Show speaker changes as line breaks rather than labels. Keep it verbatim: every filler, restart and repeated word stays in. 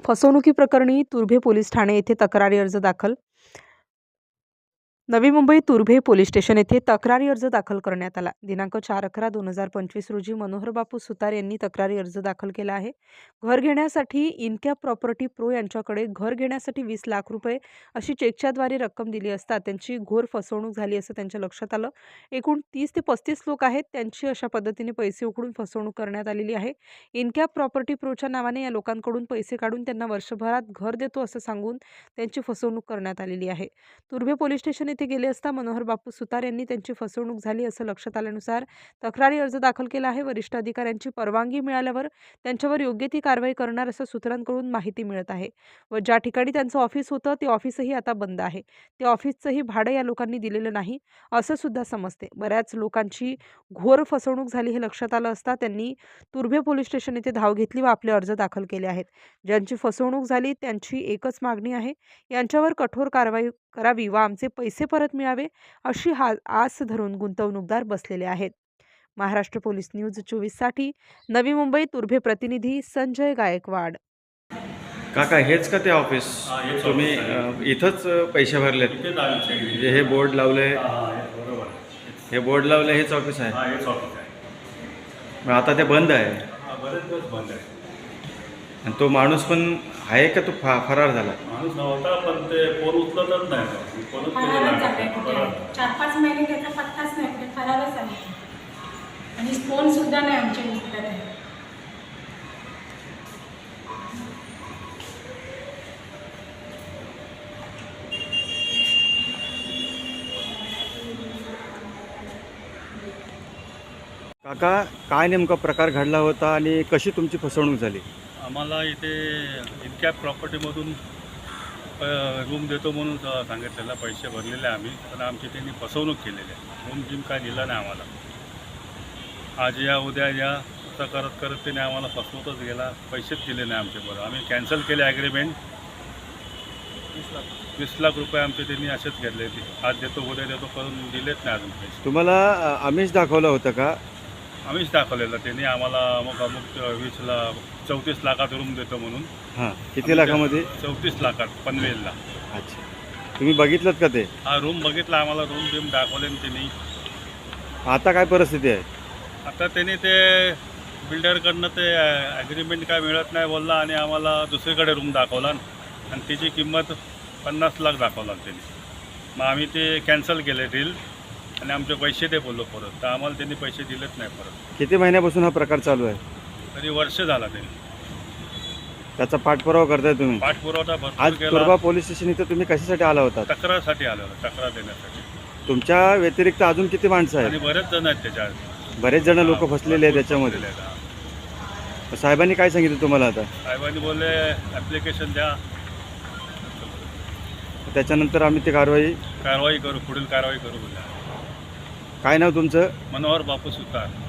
फसवणुकीप्रकरणी तुर्भे police Thane येथे तक्रारी अर्ज दाखल. नवी मुंबई तुर्भे पोलीस स्टेशन येथे तक्रारी अर्ज दाखल करण्यात आला. दिनांक चार अकरा दोन हजार पंचवीस रोजी मनोहर बापू सुतार यांनी तक्रारी अर्ज दाखल केला आहे. घर घेण्यासाठी इनकॅप प्रॉपर्टी प्रो यांच्याकडे घर घेण्यासाठी वीस लाख रुपये अशी चेकच्याद्वारे रक्कम दिली असता त्यांची घोर फसवणूक झाली असं त्यांच्या लक्षात आलं. एकूण तीस ते पस्तीस लोक आहेत, त्यांची अशा पद्धतीने पैसे उकळून फसवणूक करण्यात आलेली आहे. इनकॅप प्रॉपर्टी प्रोच्या नावाने या लोकांकडून पैसे काढून त्यांना वर्षभरात घर देतो असं सांगून त्यांची फसवणूक करण्यात आलेली आहे. तुर्भे पोलीस स्टेशन येथे गेले असता मनोहर बापू सुतार यांनी त्यांची फसवणूक झाली असं लक्षात आल्यानुसार तक्रारी अर्ज दाखल केला आहे. वरिष्ठ अधिकाऱ्यांची परवानगी मिळाल्यावर त्यांच्यावर योग्य ती कारवाई करणार असं सूत्रांकडून माहिती मिळत आहे. व ज्या ठिकाणी त्यांचं ऑफिस होतं ते ऑफिसही आता बंद आहे. ते ऑफिसचंही भाडं या लोकांनी दिलेलं नाही असं सुद्धा समजते. बऱ्याच लोकांची घोर फसवणूक झाली हे लक्षात आलं असता त्यांनी तुर्भे पोलीस स्टेशन येथे धाव घेतली व आपले अर्ज दाखल केले आहेत. ज्यांची फसवणूक झाली त्यांची एकच मागणी आहे, यांच्यावर कठोर कारवाई करावी व आमचे पैसे परत मिळावे अशी हा आस धरून गुंतवणूकदार बसलेले आहेत. महाराष्ट्र पोलीस न्यूज चोवीस साठी नवी मुंबई तुर्भे प्रतिनिधी संजय गायकवाड.
काका हेच का ते ऑफिस? तुम्ही अ, इथंच पैसे भरलेत? म्हणजे हे बोर्ड लावले, हे बोर्ड लावले, हेच ऑफिस आहे? मग आता ते बंद आहे
बंद आहे.
आणि तो माणूस पण आहे का तो फा फरार झाला?
माणूस नव्हता पण ते फोन उचलतच नाही. फोनच
फरारच झालाय कुठे. चार पाच महिने त्याचा पत्ताच नाही, कुठे फरारच आहे. आणि फोन सुद्धा नाही आमचे उचलत आहे.
काका काय नेमका प्रकार घडला होता आणि कशी तुमची फसवणूक झाली?
आम्हाला इथे इनकॅप प्रॉपर्टीमधून रूम देतो म्हणून सांगितलेला, पैसे भरलेले आम्ही, पण आमची त्यांनी फसवणूक केलेली आहे. रूम जिम काय दिला नाही आम्हाला. आज या उद्या या असं करत करत त्याने आम्हाला फसवतच गेला. पैसेच दिले नाही आमचे. बरं आम्ही कॅन्सल केले ॲग्रीमेंट. वीस लाख रुपये आमचे त्यांनी असेच घेतले. ते आज देतो उद्या देतो करून दिलेच नाही अजून पैसे.
तुम्हाला अ, आमिष दाखवलं होतं का?
आम्हीच दाखवलेलं. त्यांनी आम्हाला अमुक अमुक वीसला चौतीस लाखात रूम देतो म्हणून.
हां, किती लाखामध्ये?
चौतीस लाखात पनवेलला.
अच्छा, तुम्ही बघितलं का ते?
हा रूम बघितला, आम्हाला रूम बिम दाखवले त्यांनी.
आता काय परिस्थिती आहे?
आता त्यांनी ते बिल्डरकडनं ते ॲग्रीमेंट काय मिळत नाही बोलला आणि आम्हाला दुसरीकडे रूम दाखवला आणि त्याची किंमत पन्नास लाख दाखवला त्यांनी. मग आम्ही ते कॅन्सल केले डील आणि आमचे पैसे ते बोललो परत. तर आम्हाला त्यांनी पैसे दिलेच नाही परत.
किती महिन्यापासून हा प्रकार चालू आहे?
तरी वर्ष झाला त्यांनी.
त्याचा पाठपुरावा करताय तुम्ही?
पाठपुरवठा
आज
भरपूर केला.
तुर्भा पोलीस स्टेशन इथं तुम्ही कशासाठी आला होता?
तक्रारसाठी आलेलो, तक्रार देण्यासाठी.
तुमच्या व्यतिरिक्त अजून किती माणसं
आणि
आहेत?
बरेच जण आहेत त्याच्यात.
बरेच जण लोक फसलेले आहेत त्याच्यामध्ये.
फसलेले आहेत.
साहेबांनी काय सांगितलं तुम्हाला आता?
साहेबांनी बोलले ॲप्लिकेशन द्या,
त्याच्यानंतर आम्ही ती कारवाई.
कारवाई करू, पुढील कारवाई करू बोलले.
काय नाव तुमचं?
मनोहर बापू सुतार.